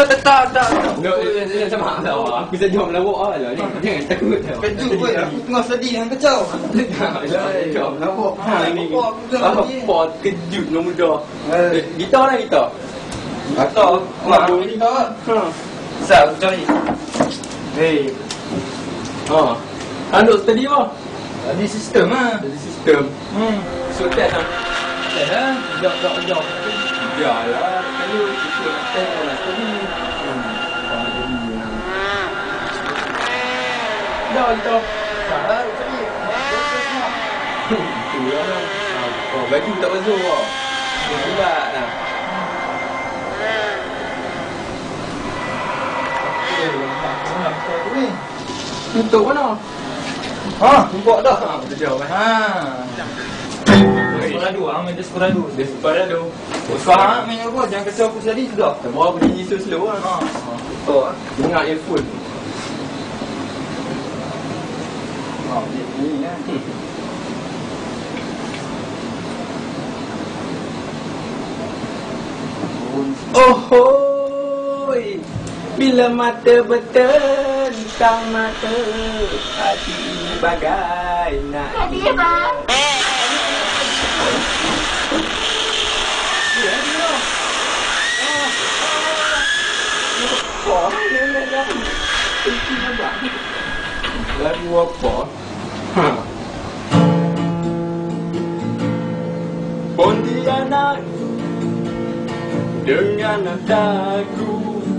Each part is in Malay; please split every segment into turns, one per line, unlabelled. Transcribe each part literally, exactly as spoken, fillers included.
tak, tak.
No, macam mana tau? Aku saja orang melawak lah ni. Jangan takut tau.
Kejut pun, aku tengah sedih dengan kacau.
Kacau melawak. Ha ni.
Apa aku tengah sedih.
Apa kejut nombor muda. Eh, gitar lah gitar.
Gitar? Mak, ini gitar.
Ha.
Sat, aku cari. Hei.
Ha. Anduk tadi apa?
Tadi sistem lah.
Jadi sistem.
Hmm.
So test lah.
Dah dah. Jom, jom, jom.
Biarlah. Kalau kita nak test lah tadi. Hmm. Dah gitar.
Salah, aku cari.
Tu lah. Oh, baju tak basuh kau. Dia bulat dah. Untuk mana?
Ha, nampak dah.
Ha, betul jauh kan?
Ha. Desperado, ah, main Desperado.
Desperado.
Faham main apa? Jangan kacau aku tadi sudah.
Tak berapa bunyi so slow lah.
Ha.
Betul lah. Dengar earphone.
Ha, ni kan.
Oh hoi, bila mata bertentang mata, hati bagai nak
Tadi bang.
dia dia. Oh, ni ni ni. Ini apa? Lagu apa? Ha. Pontianak dengan nadaku,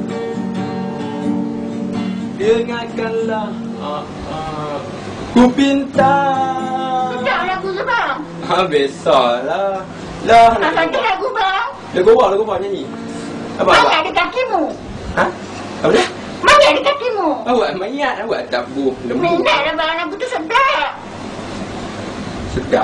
dengarkanlah uh, uh, ku pinta.
Tak lagu tu bang.
Ha, biasalah. Lah, nak
Abang tu
lagu
lagu bang.
Lagu apa? Lagu apa nyanyi? Apa?
Mana
Apa?
ada kakimu?
Ha? Apa dia?
Mana ada kakimu?
Awak mayat, awak tabuh lembu.
Minat lah bang, lagu tu sedap.
Sedap.